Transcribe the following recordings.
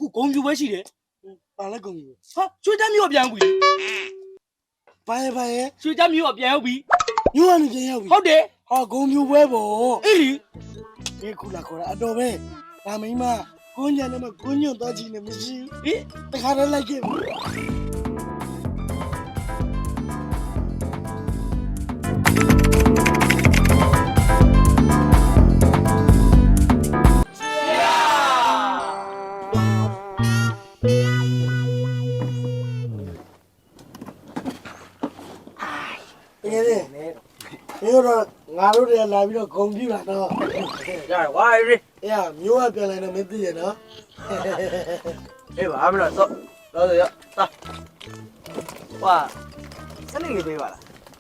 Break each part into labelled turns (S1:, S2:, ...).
S1: ဂုံပြူပဲရှိတယ်
S2: ပါလဲကုန်ပြီ
S1: ဟာရွှေချမ်းမျိုးပြန်ပြီ
S2: ဘာရဲ့
S1: ရွှေချမ်းမျိုးပြန်ရောက်ပြီ
S2: မျိုးကနေပြန်ရောက်ပြီ
S1: ဟုတ်တယ်
S2: ဟာဂုံပြူပွဲပေါ့
S1: အေးလီ
S2: ဒီခုလာခေါ်တာအတော်ပဲဒါမိမကိုညံနဲ့မကိုညွန့်သွားကြည့်နေမရှိ
S1: ဟေး
S2: တခါတည်းလိုက်ခဲ့ပြီ တကယ်လေမျိုးတော့ငါတို့တွေလာပြီးတော့ဂုံပြူလာတော့
S3: ရတယ်ဝါရီ
S2: အေးမျိုးကပြန်လာတော့မသိရနော်
S3: အေးပါမလို့တော့ရတာဝါစနေလေးပေးပါလား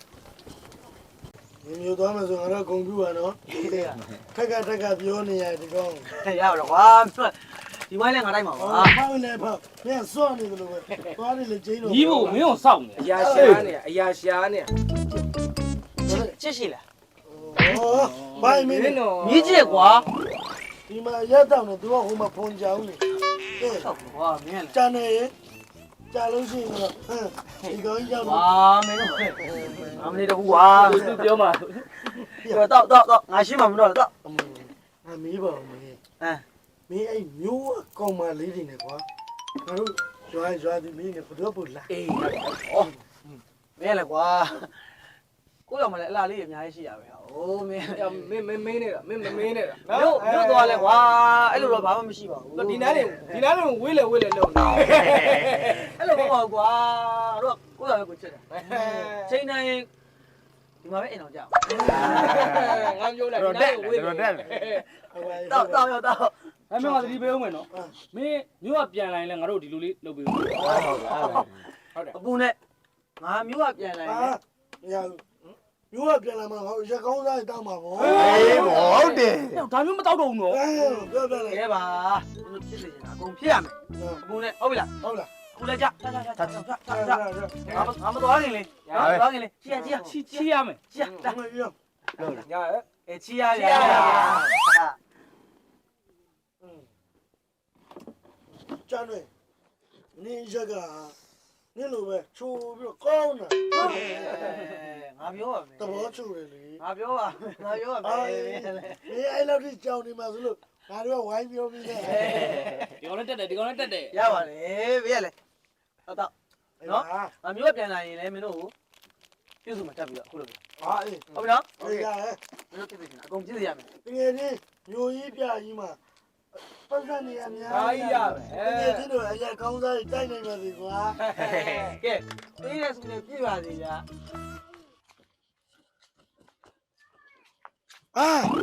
S2: မျိုးသွားမှဆိုငါတို့ဂုံပြူပါနော်ထက်ကပြောနေရဒီကောင်
S3: ရပါတော့ဝါဒီဝိုင်းလည်းငါတိုင်းပါပါ
S2: ဖောက်နေဖောက်ပြန်စော့နေတယ်လို့ပဲသွားနေလေကျင်းတော့
S1: ညီဖို့မင်းအောင်စောင့်နေ
S4: အရာရှာနေအရာရှာနေ
S3: ချစ်ရှိလား
S2: ဟောဘိုင်မင်း
S3: မြည်ကျက်ကွာ
S2: ဒီမှာရက်တော့နေသူကဟိုမှာဖုန်ကြောင်းနေကဲ
S3: ဟုတ်ကွာမင်းလည်း
S2: ကြာနေကြာလို့ရှိရင်တော့ဟမ်ဒီကောင်ရောက်
S3: ဝါ
S2: တော့
S3: မင်းတို့အမလေးတော့ကွာ
S1: သူပြောမှာ
S3: တော့ငါရှိမှမတော့တော့
S2: ငါမေးပါဦးမင်း
S3: အဲ
S2: မင်းအဲ့မျိုးကောင်မလေးတွေနဲ့ကွာငါတို့ရွာဒီမင်းနဲ့ဘယ်တော့ပို့လာ
S3: အေးဩမင်းလည်းကွာကိုရောက်မလဲအလားလေးအများကြီးရှိရပဲဟိုးမင်း
S4: မင်းနေတာမင်းမမင်းနေတာ
S3: မြို့သွားလဲကွာအဲ့လိုတော့ဘာမှမရှိပါဘူး
S4: ဒီနားတွေဝေးလေလုံနေ
S3: အဲ့လိုမဟုတ်ကွာတို့ကိုရောက်ကိုချစ်တယ်ချိန်တိုင်းဒီမှာပဲအိမ်အောင်ကြအောင်
S4: ငါပြောလိုက်ဒီနားတွေဝေးလေ
S3: တော့ရောက်တော့
S1: အဲ့မင်းကသတိပေးအောင်မယ်နော်မင်းမျိုးကပြန်လာရင်လည်းငါတို့ဒီလိုလေးလုပ်ပေးဦး
S3: အပူနဲ့ငါမြို့ကပြန်လာရင်
S2: ဟာမရဘူးမျိုးကပြန်လာမှာဟောရက်ကောင်းစားတောင်းမှာပေါ့
S5: အေးဟုတ်တယ်
S1: ဒါမျိုးမတောက်တော့ဘူးနော်
S2: ပြောပြလိုက်
S3: ခဲပါတို့ဖြစ်နေနေတာအကုန်ဖြစ်ရမယ်အပူနဲ့ဟုတ်ပြီလား
S2: ဟုတ်လား
S3: အခုလည်းကြငါမသွားခင်လေသွားခင်လေချီချီ
S1: ချီရမယ်
S3: ချီလာ
S2: မပြော
S4: ညာ
S3: အဲချီရရ
S2: ကြာနေနေရက်ကနေလိုပဲချိုးပြီးတော့ကောင်းတာ
S3: ငါပြောပါမယ်
S2: သဘောချိုးတယ်လေ
S3: ငါပြောပါငါပြောပါမယ်
S2: နေအဲ့လောက်ထိကြောင်နေမှာဆိုလို့ငါတို့ကဝိုင်းပြောပြီးတယ်
S1: ဒီကောင်လည်းတက်တယ်ဒီကောင်လည်းတက်တယ်
S3: ရပါလေဘေးရလေတော့နော်ငါမျိုးပြန်လာရင်လည်းမင်းတို့ပြုစုမှတက်ပြီးတော့အခုလို
S2: ဟာအေး
S3: ဟုတ်ပြီနော်
S2: ဟုတ်ရဟဲ့
S3: မင်းတို့ပြည့်စုံအကုန်ပြည့်စုံရမယ်
S2: တကယ်ကြီးမျိုးကြီးပြကြီးမှာပတ်စံနေရများ
S4: အားရပဲ
S2: တကယ်ကြီးတို့အရက်ကောင်းစားတိုက်နိုင်ပါစေကွာ
S3: ကဲပေးရစုနေပြည့်ပါစေဗျာ
S2: အာ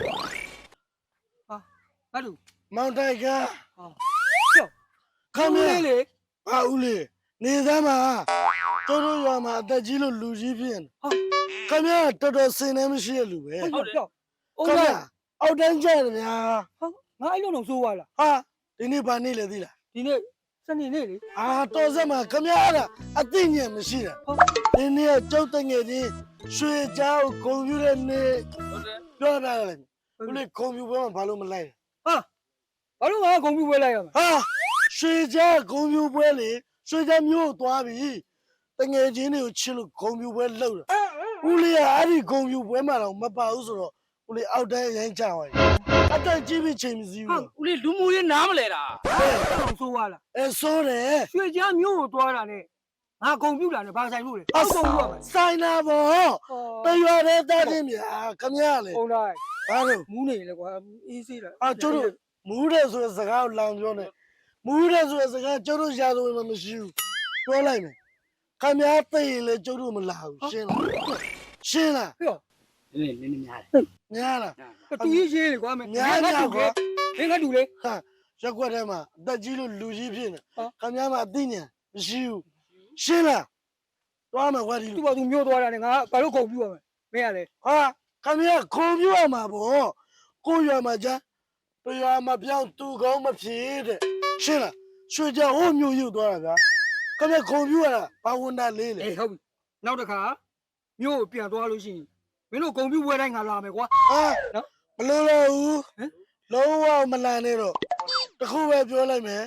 S1: ဘာလို့
S2: မောင်တိုက်က
S1: ကျော်
S2: ခမလေးလေဟာဦးလေးနေသမ်းမှာတို့တို့ရွာမှာအသက်ကြီးလို့လူကြီးဖြစ်နေခမရတော်တော်စင်နေမရှိတဲ့လူပဲ
S1: ဟုတ်တယ်
S2: ခမရအောက်တန်းကျတယ်ဗျာ
S1: ငါအဲ့လိုတော့စိုးသွားလား
S2: ဟာဒီနေ့ဘာနေ့လဲသိလား
S1: ဒီနေ့စနေနေ့လေ
S2: အာတော်စက်မှာခမရအဲ့ဒါအသိဉာဏ်မရှိတာဒီနေ့ကကျုပ်တငယ်ချင်းရွှေချောင်းကွန်ပျူတာနဲ့
S1: ဟုတ်တယ်
S2: ပြောတာလေဦးလေးကွန်ပျူတာမှာဘာလို့မလိုက်
S1: ဘာလို့ငါဂုံပြူပွဲလိုက်ရမှာ
S2: ဟာရွှေချောင်းကွန်ပျူတာပွဲလေရွှေချောင်းမျိုးသွားပြီတငယ်ချင်းတွေကိုချစ်လို့ကွန်ပျူတာပွဲလှုပ်တာဦးလေးကအဲ့ဒီကွန်ပျူတာပွဲမှာတော့မပါဘူးဆိုတော့ဦးလေးအောက်တန်းရိုင်းချသွားတယ်အတက်ကြီးပြီးချိန်မစည်း
S1: ဟာ
S2: ဘူး
S1: ဦးလေးလူမှုရေးနားမလဲတာအဲ့လိုစိုးသွားလား
S2: အဲဆိုးတယ်
S1: ရွှေချမ်းမျိုးကိုသွားတာနဲ့ငါဂုံပြူလာနဲ့ဘာဆိုင်လို့လဲ
S2: အဆောဆိုင်နာဘောတရွာတဲ့တားချင်းဗျာခမရလေ
S1: ဟုတ်လား
S2: ဘာလို့
S1: မူးနေလေကွာအေးစေးလား
S2: အာကျိုးတို့မူးတယ်ဆိုတဲ့စကားကိုလောင်ပြောနေမူးတယ်ဆိုတဲ့စကားကျိုးတို့ရာဇဝင်မှာမရှိဘူးပြောလိုက်မယ်ခမရသိရင်လေကျိုးတို့မလာဘူးရှင်းလားရှင်းလား
S1: နည်းများတယ်
S2: များလား
S1: တူရေးရေးလေကွာမင်း
S2: များများကွာ
S1: မင်းကတူလေ
S2: ဟာရက်ွက်ထဲမှာအသက်ကြီးလို့လူကြီးဖြစ်နေခမရမှာအသိဉာဏ်မရှိဘူးရှင်းလားသွားမှာကွာဒီ
S1: သူ့ဘာသူမျိုးသွားတာနဲ့ငါဘာလို့ဂုံပြူရမလဲမင်းကလေ
S2: ဟာခမရခွန်ပြရမှာပေါ့ကိုရွာမှာကြာတရွာမှာပြောင်းသူကောင်းမဖြစ်တဲ့ရှင်းလားရွှေကြဟိုမျိုးရုပ်သွားတာဗျာခမရခွန်ပြရတာဘာဝန်တာလေးလေ
S1: အေးဟုတ်ပြီနောက်တစ်ခါမျိုးကိုပြန်သွားလို့ရှိရင်မင်းတို့ဂုံပြူပွဲတိုင်းငါလာမယ်ကွာ
S2: ဟာမလို့လို့ဘူး
S1: ဟမ်
S2: လုံးဝမလန်နဲ့တော့တခုပဲပြောလိုက်မယ်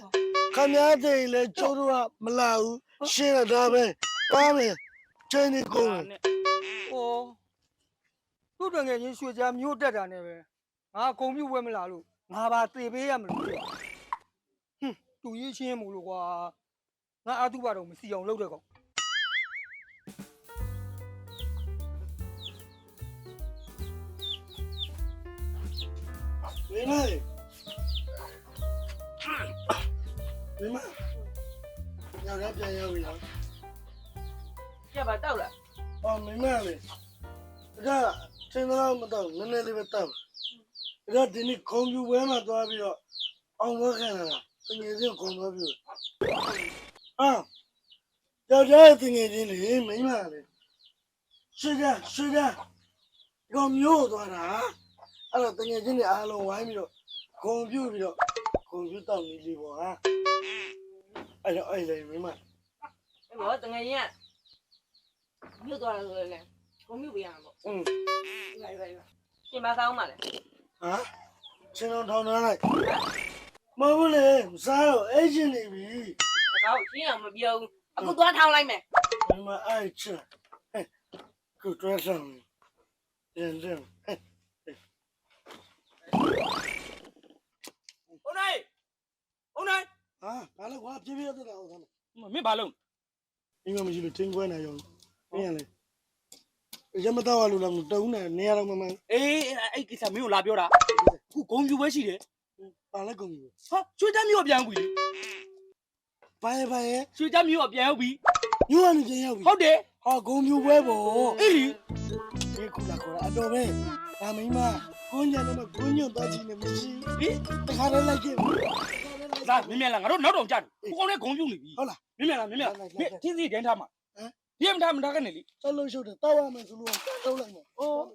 S2: ခမရတဲ့လေကျိုးတို့ကမလာဘူးရှင်းတာပဲပါမယ်ချင်းနေကုန်
S1: ဟောသူ့တငယ်ချင်းရွှေချမ်းမြို့တက်တာနဲ့ပဲငါဂုံပြူပွဲမလာလို့ငါပါသေပေးရမလို့ဟွန်းသူရေးချင်းမို့လို့ကွာငါအတုပါတော့မစီအောင်လုပ်တဲ့ကောင်
S2: မင်းမရောက်ရပြန်ရောက်ပြီလား
S3: ကြပါတောက်လား
S2: အော်မင်းမလေးဒါစင်းတော့မတော့နည်းနည်းလေးပဲတောက်ဒါဒီနေ့ကွန်ပျူတာမှာသွားပြီးတော့အောင်ဝခံလာတာတကယ်ချင်းကွန်ပျူတာအာကြောက်ကြတဲ့တကယ်ချင်းလေမင်းမလေးဆွေးကြကွန်မျိုးသွားတာအဲ့တော့တကယ်ချင်းတွေအားလုံးဝိုင်းပြီးတော့ကွန်ပျူပြီးတော့ကွန်ပျူတာနေလေးပေါ့ဟာအဲ့တော့အဲ့လေမင်းမ
S3: အဲ့ဘောတငယ်ချင်းကမြို့သွားတယ်ဆိုလေကိုမြို့ပြရမှာပေါ့လိုက်ရှင်မဆောင်ပါလေ
S2: ဟာချင်းတော်ထောင်းထားလိုက်မဟုတ်လေမစားတော့အဲ့ချင်းနေပြီ
S3: ကောက်ရှင်းအောင်မပြောဘူးအခုသွားထောင်းလိုက်မယ်
S2: မမအဲ့ချင်းကိုတွဲဆောင်ရင်
S4: ဦးနိုင်
S2: ဟာဘာလဲကွာပြေးပြေးတက်တာဟုတ်သား
S4: မင်းဘာလုံး
S2: မင်းမရှိလို့ထင်းခွဲနေရောမင်းရလေရမတော့လို့လည်းတုံးနေနေရတော့မမ
S4: အေးအဲ့ကိစ္စမင်းကိုလာပြောတာခုဂုံပြူပွဲရှိတယ်
S2: ပါလဲကုန်ပြီ
S4: ဟာရွှေချမ်းမြို့ပြန်ပြီ
S2: ဘာရဲ့
S4: ရွှေချမ်းမြို့ပြန်ရောက်ပြီ
S2: ညို့ကနေပြန်ရောက်ပြီ
S4: ဟုတ်တယ်
S2: ဟာဂုံပြူပွဲပေါ့
S4: အေးလီ
S2: ဒီခုလာခေါ်တာအတော်ပဲဒါမင်းမကိုညံတော့ကိုညွန့်တော့ချင်နေမရှိ
S4: ဟင်
S2: တခါတည်းလိုက်ခဲ့
S4: လာမင်းမြန်လာငါတို့နောက်တော့ကြတယ်ကိုကောင်းနဲ့ဂုံပြူနေပြီ
S2: ဟုတ်လား
S4: မင်းမြန်လာမင်းမြန်လာမင်းတင်းစီဒန်းထားမှာဟမ်ဒီမထားကနေလေ
S2: ဆက်လို့ရှုပ်တယ်တောက်ရမယ်ဆိုလို့တောက်လိုက်မယ်အိုး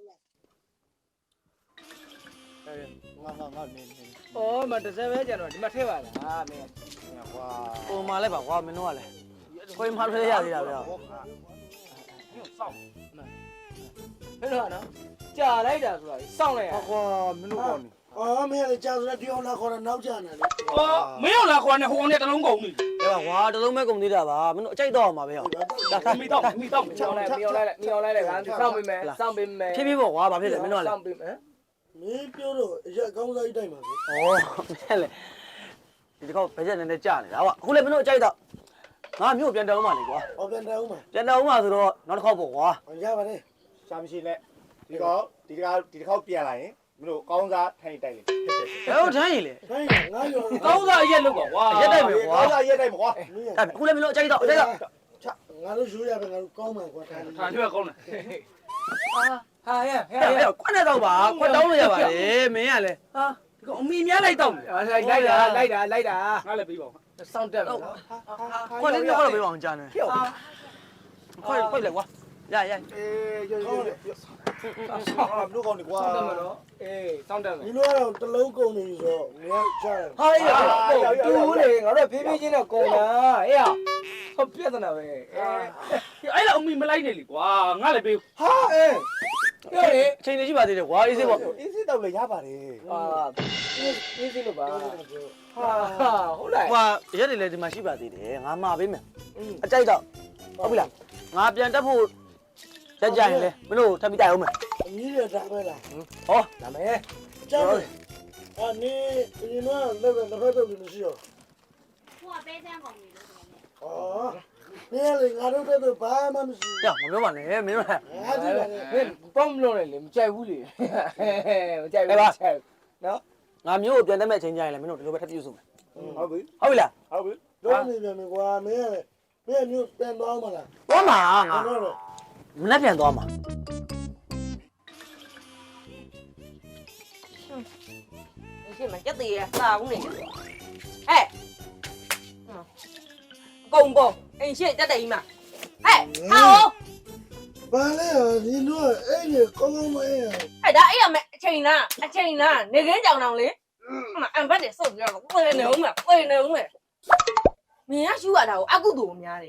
S1: ဩမတစ်စက်ပဲကြတော့ဒီမှာထည့်ပါလားမင်းကွာ
S3: ပုံမှန်လိုက်ပါကွာမင်းတို့ကလည်းခွေးမှလည်းရသေးတာဗျာ
S4: မင်းစောင့်
S1: ဟဲ့တော့နော်ကြာလိုက်တာဆိုတာစောင့်လိုက်ရ
S5: ကွာမင်းတို့ကောင်းနေ
S2: အော်မင်းလည်းကြာဆိုတော့ဒီအောင်လာခေါ်တာနောက်ကျနေလေ
S4: ဟောမင်းရောက်လာခေါ်နေဟိုကောင်နဲ့တလုံးကုန်ပြီ
S3: အဲ့ပါကွာတလုံးပဲကုန်သေးတာပါမင်းတို့အကြိုက်တော့အောင်ပါပဲဟော
S4: မိတော့
S1: မြောင်းလိုက်ငါစောင့်ပေးမယ်စောင့်ပေးမယ်
S3: ဖြည်းဖြည်းပေါ့ကွာဘာဖြစ်လဲမင်းတို့ကလည်း
S1: စောင့်ပေးမယ်
S2: မင်းပြောတော့ရက်ကောင်းစားကြီးတိုက်မှာပဲ
S3: ဩမင်းလည်းဒီတစ်ခေါက်ဘယ်ချက်နည်းနည်းကြာနေတာကွာအခုလည်းမင်းတို့အကြိုက်တော့ငါမြို့ပြန်တောင်းပါလေကွာ
S2: ဟောပြန်တယ်ဦးမှာ
S3: ပြန်တောင်းပါဆိုတော့နောက်တစ်ခေါက်ပေါ့ကွာ
S2: ရပါတယ်
S5: ရှာမရှိနဲ့ဒီတစ်ခေါက်ပြန်လာရင်မင်းတို့ကောင်းစားထိုင်တိုက်လေ
S3: ဘယ်လိုထမ်းရင်လဲ
S2: ခိုင်းငါရော
S4: ကောင်းစားရက်လောက်ပါကွာ
S3: ရက်တိုက်မယ်ကွာ
S5: ကောင်းစားရက်တိုက်မကွာ
S3: အခုလည်းမင်းတို့အကြိုက်တော့အကြိုက်တော့
S2: ငါတို့ရိုးရပဲငါတို့ကောင်းမှာကွာထား
S4: ထားနေကောင်းတယ်
S1: ဟာရ
S3: ဟဲ့ခွက်နဲ့တော့ပါခွက်တောင်းလို့ရပါတယ်မင်းကလည်းဟာ
S4: ဒီကောင်အမိများလိုက်တော့တယ်
S1: လိုက်တာ
S4: ငါလည်းပြီးပါဦး
S1: စောင့်တက်မယ်
S3: ခွက်လေးတော့ပေးပါအောင်ကြာနေခွက်လေကွာရ
S5: အေးရိုးမင်းတို့ကောင်းနေကွာ
S1: စောင့်တက်မယ်နော်အေးစောင့်တက်မယ်
S2: ဒီလိုကတော့တလုံးကုန်နေဆိုတော့ငါကြားတယ်
S1: ဟာရတူလေငါတို့ဖြည်းဖြည်းချင်းတော့ကုန်တာအေးဟောပြဿနာပဲအေး
S4: အဲ့လောက်အမိမလိုက်နဲ့လေကွာငါလည်းပြီး
S5: ဟာအေး
S1: ပြောလေ
S3: အချိန်လေးရှိပါသေးတယ်ကွာအေးစေးပေါ့
S5: အေးစစ်တော့လေရပါတယ်
S1: ဟာအေးစီလို့ပါဟာဟုတ်လား
S3: ကွာရက်တွေလည်းဒီမှာရှိပါသေးတယ်ငါမှာပေးမယ်အကြိုက်တော့ဟုတ်ပြီလားငါပြန်တက်ဖို့ကြကြရင်လေမင်းတို့ထပ်ပြီးတိုက်အောင်မယ်
S2: အကြီးရတာပဲလား
S3: ဟော
S1: ဒါမဲ့
S2: ကြားတယ်အနေဒီမှာလည်းလည်းဖက်တော့လို့ရှိရော
S6: ကိုကပဲတန်းကုန်ပြီလို့ဆိုနေ
S2: ဩနေလေငါတို့တော့ဘာမှမရှိ
S3: ရမပြောပါနဲ့မင်းတို့လည်း
S2: ဘူးဟာဒီပါလေ
S1: မင်းပေါမလို့လေမကြိုက်ဘူးလေမကြိုက်ဘူးနော်
S3: ငါမျိုးကိုပြန်တက်မဲ့အချိန်ကြရင်လေမင်းတို့ဒီလိုပဲထပ်ပြုစုမယ်
S5: ဟုတ်ပြီ
S3: ဟုတ်ပြီလား
S5: ဟုတ်ပြီ
S2: တော့နေပြန်မယ်ကွာမင်းကလည်းမင်းမျိုးတန်တော့မလား
S3: သွားမှာငါ
S2: တော့တော့
S3: မနေ့ပြန်သွားမှာ
S7: ရှင်းမကြက်သေးရစာဘူးနေဟဲ့ကုံကုံအိမ်ရှင်းတက်တယ်ကြီးမဟဲ့ဟာဟော
S2: ဘာလဲဒီတော့အဲ့ဒီကောင်းကောင်းမအေး
S7: ဟဲ့ဒါအဲ့ရမယ်အချိန်လားနေခင်းကြောင်တောင်လေအန်ဘတ်နေစုပ်ပြောတော့ကိုယ်နေဦးမကိုယ်နေဦးမင်းကရှူရတာကိုအကုသိုလ်များတယ်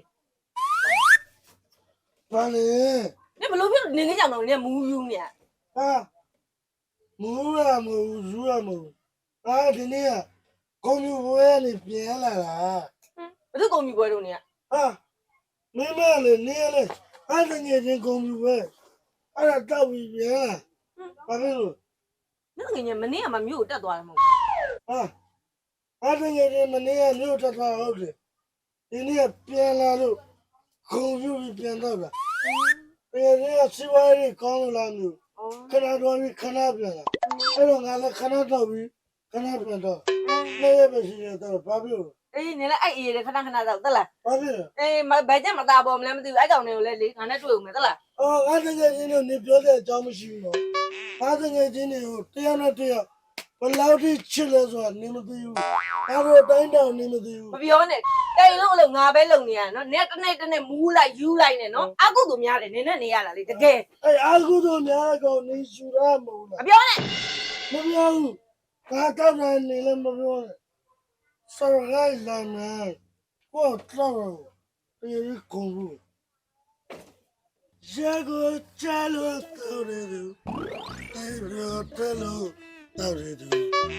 S2: ဘာလဲ
S7: နေဘလို့ဖြစ်နေခင်းကြောင်တောင်နေမူးယူနေ
S2: ဟာမူရမူဇူရမူအာဒီနေ့ကဂုံပြူပွဲကနေပြန်လာတာ
S7: ဘယ်သူကုန်ပြီပွဲတို့နေရ
S2: ဟာမင်းမလည်းနေရလေအားတငယ်ချင်းဂုံပြူပွဲအဲ့ဒါတောက်ပြီးပြန်လာဘာဖြစ်လို့
S7: နင့်ငယ်ငယ်မနေ့ကမှမြို့ကိုတက်သွားတယ်မဟုတ်ဘူး
S2: ဟာအားတငယ်ချင်းမနေရမြို့တက်သွားဟုတ်တယ်ဒီနေ့ပြန်လာလို့ဂုံပြူပြီးပြန်တော့တာတကယ်ကြီးစီဝါရီကောင်းလာမျိုး
S7: အော်
S2: ခဏတော့ပြီးခဏပြန်လာအဲ့တော့ငါလည်းခဏတော့ပြီးခဏပြန်တော့နေ့ရက်ပဲရှိနေတော့ဘာဖြစ်လို့
S7: အေးနေလဲအဲ့အေးရခဏခဏတော့တက်လား
S2: ဘာဖြစ်လဲ
S7: အေးဘယ်ချက်မသားပေါ်မလဲမသိဘူးအဲ့ကောင်တွေကိုလည်းလေငါနဲ့တွေ့ဦးမယ်တက်လား
S2: အော်ငါတကယ်ချင်းတို့နေပြောတဲ့အကြောင်းမရှိဘူးနော်ငါတကယ်ချင်းတွေကိုတယောက်နဲ့တယောက်ဘယ်လောက်ထိချစ်လဲဆိုတာနေမသိဘူးငါတို့တိုင်းတောင်နေမသိဘူး
S7: မပြောနဲ့တိုင်လို့အလို့ငါပဲလုံနေရနော်နင်တစ်နေ့မူးလိုက်ယူလိုက်နဲ့နော်အကုသို့များတယ်နင်နဲ့နေရတာလေတကယ်
S2: အဲ့အာကုတို့များကောင်နေရှူရမဟုတ်
S7: မ
S2: လား
S7: ပြောနဲ့
S2: မပြောဘူးငါတောက်တယ်နေလည်းမပြောနဲ့ဆော်ရိုင်းလာမယ်ကိုတော့ပြေးကုန်ဘူးရေကိုချလို့တော်တယ်သူအဲ့တော့တယ်လို့တော်တယ်သူ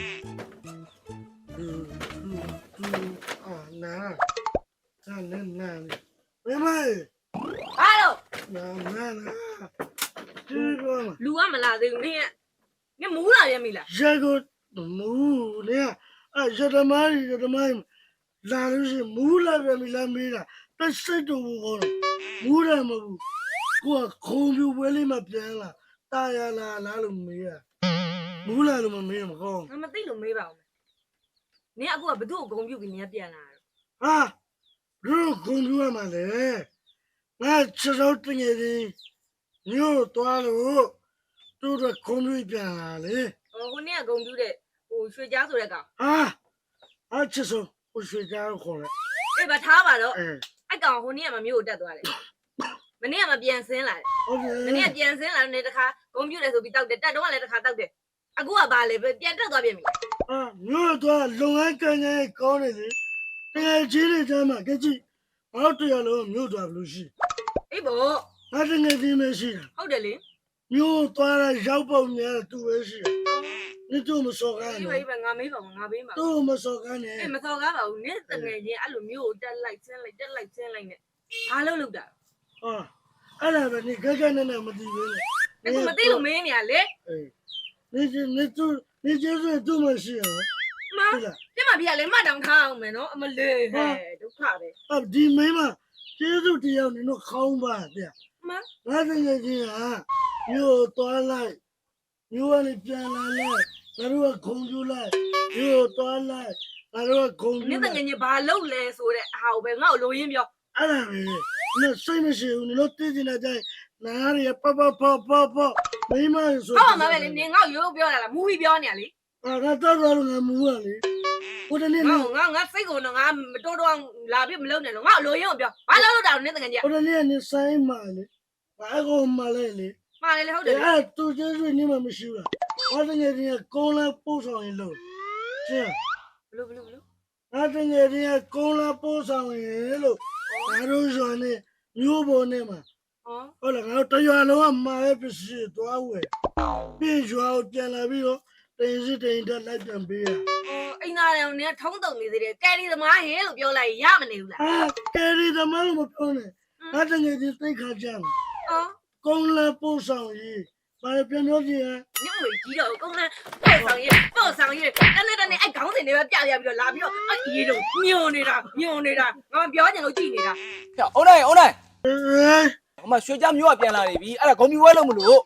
S2: အာနာနာနာဘယ်မှာ
S7: ဘာလို့
S2: နာနာဒီကော
S7: လူကမလာသေးဘူးနင်မူးလာရမိလား
S2: ရေကိုမူးလေအဲ့ရတမိုင်းလာလို့ရှိမူးလာပဲမလားမေးတာတက်စိတ်တူဘူးကောမူးတယ်မဟုတ်ကိုကခုံပြူပွဲလေးမှပြန်လာတာရလာလားလို့မေးတာမူးလာလို့မမေးမကော
S7: ငါမသိလို့မေးပါဦးနင်အခုကဘသူ့ကိုဂုံပြုတ်ပြီးနင်ပြန်လာတာ
S2: ဟာတို့ခုံပြူရမှာလေငါချစောတငယ်ချင်းညို့သွားလို့တို့တော့ခုံပြူပြန်လာလေ
S7: ဟိုနေ့ကဂုံပြုတ်တဲ့ဟိုရွှေကြားဆိုတဲ့ကောင်
S2: ဟာချစောကိုရွှေကြခေါ်လိုက်
S7: အေးဗထားပါတော့
S2: အဲ
S7: အဲ့ကောင်ဟိုနေ့ကမမျိုးကိုတက်သွားတယ်မနေ့ကမပြန်ဆင်းလာတယ်
S2: ဟုတ်တယ်
S7: မနေ့ကပြန်ဆင်းလာတယ်တခါဂုံပြုတ်တယ်ဆိုပြီးတောက်တယ်တက်တော့လည်းတခါတောက်တယ်အခုကဘာလဲပြန်တက်သွားပြန်ပြီ
S2: အာညို့တော့လုံငန်းကန်ကန်ကောင်းနေလေတကယ်ကြီးနေကြမှာကြည့်ဘာလို့တရားလုံးမြို့သွားဘလို့ရှိ
S7: အေးဘော
S2: ငါတကယ်ကြီးမရှိတာ
S7: ဟုတ်တယ်လေ
S2: မြို့သွားတာရောက်ပုံများသူပဲရှိနေတို့မစော်ကား
S7: အေး
S2: နဲ့
S7: ဘေးပဲငါမေးပါငါဘေးပါ
S2: တို့မစော်ကားနဲ့
S7: အေးမစော်ကားပါဘူးနင်းတငယ်ချင်းအဲ့လိုမျိုးကိုတက်လိုက်ဆင်းလိုက်တက်လိုက်ဆင်းလိုက်နဲ့ဘာလို့လုပ်တာ
S2: ဟာအဲ့ဒါပဲနေကြကြနဲ့မသိဘူးလေ
S7: အခုမသိလို့မင်းနေရလေ
S2: နေကျေးဇူးသူ့မရှိရ
S7: မပြမပြလေမတောင်ထားအောင်မယ်နော်အမလေးဟဲ့ဒုက္ခပဲ
S2: အဒီမင်းမကျေးဇူးတရားနေတော့ခေါင်းပါတဲ့
S7: မ
S2: ငါတကယ်ကြီးဟာမြို့သွားလိုက်မြို့ကနေပြန်လာလိုက်ငါတို့ကဂုံပြူလိုက်မြို့သွားလိုက်ငါတို့ကဂုံပြူ
S7: နင်းတငယ်ချင်းဘာလုပ်လဲဆိုတဲ့အာကိုပဲငါ့ကိုလိုရင်းပြော
S2: အဲ့ဒါပဲနေစိတ်မရှိဘူးနေတော့တည်နေကြတယ်နားရပပမိမဆို
S7: ဟုတ်မှာပဲလေနင်းငါ့ကိုရိုးပြောတာလားမူပြီးပြောနေရလေ
S2: ငါတော့တော့ငါမူရလေဟိုတနေ့
S7: ငါစိတ်ကိုတော့ငါမတော်တော့လာပြီးမလုပ်နဲ့လို့ငါ့ကိုလိုရင်းကိုပြောဘာလို့လုပ်တာနင်းတငယ်ချင်း
S2: ဟိုတနေ့နေဆိုင်မာလေဘာကောမလဲလေ
S7: မှားလေဟုတ်တယ်
S2: အဲ့သူကျေးဇူးနေမှမရှိဘူးဟောတကယ်ကြီးကုန်းလာပို့ဆောင်ရင်လို့ရှင်း
S7: ဘလို့
S2: ငါတကယ်ကြီးကုန်းလာပို့ဆောင်ရင်လို့ငါတို့ရွာနေမျိုးပေါ်နေမှာ
S7: ဟော
S2: ဟုတ်လားငါတို့တရွာလုံးကမာရဲ့ပစ္စည်းသွားဝယ်ပြီးရွာကိုပြန်လာပြီးတော့တင်စစ်တင်တက်လိုက်ပြန်ပေးရ
S7: အိမ်သားတယ်နင်းထုံးတုံနေသေးတယ်ကယ်ရီသမားဟဲလို့ပြောလိုက်ရမနေဘူးလား
S2: ဟာကယ်ရီသမားလို့မပြောနဲ့ငါတကယ်ကြီးသိခါကြမှာ
S7: ဟော
S2: ကုန်းလာပို့ဆောင်ရေးဘာလဲပြန်ပြောကြည့်ဟမ်
S7: ညမကြီးတော့ကုန်းနဲ့ပို့ဆောင်ရေးတနေ့အဲ့ခေါင်းစဉ်တွေပဲပြပြီးတော့လာပြီးတော့အေးတော့ညွန်နေတာငါပြောချင်လို့ကြည်နေတာ
S3: အုံးနိုင်
S2: အေး
S3: ဟိုမှာရွှေကြားမျိုးကပြန်လာနေပြီအဲ့ဒါဂုံပြူပွဲလို့မလို့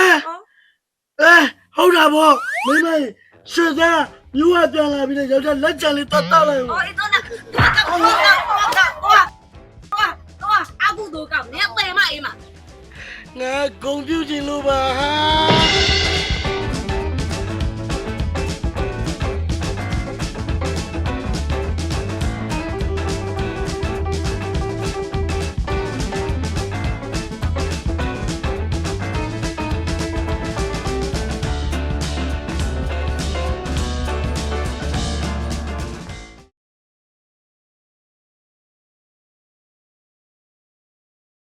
S2: ဟုတ်တာဗောမိမရွှေသားမြို့ကပြန်လာပြီးတော့ယောက်ျားလက်ချံလေးတတ်တတ်လိုက်
S7: 哦，你走哪？我阿姑都讲，你要背嘛？
S2: ငါဂုံပြူချင်လို့ပါဟာ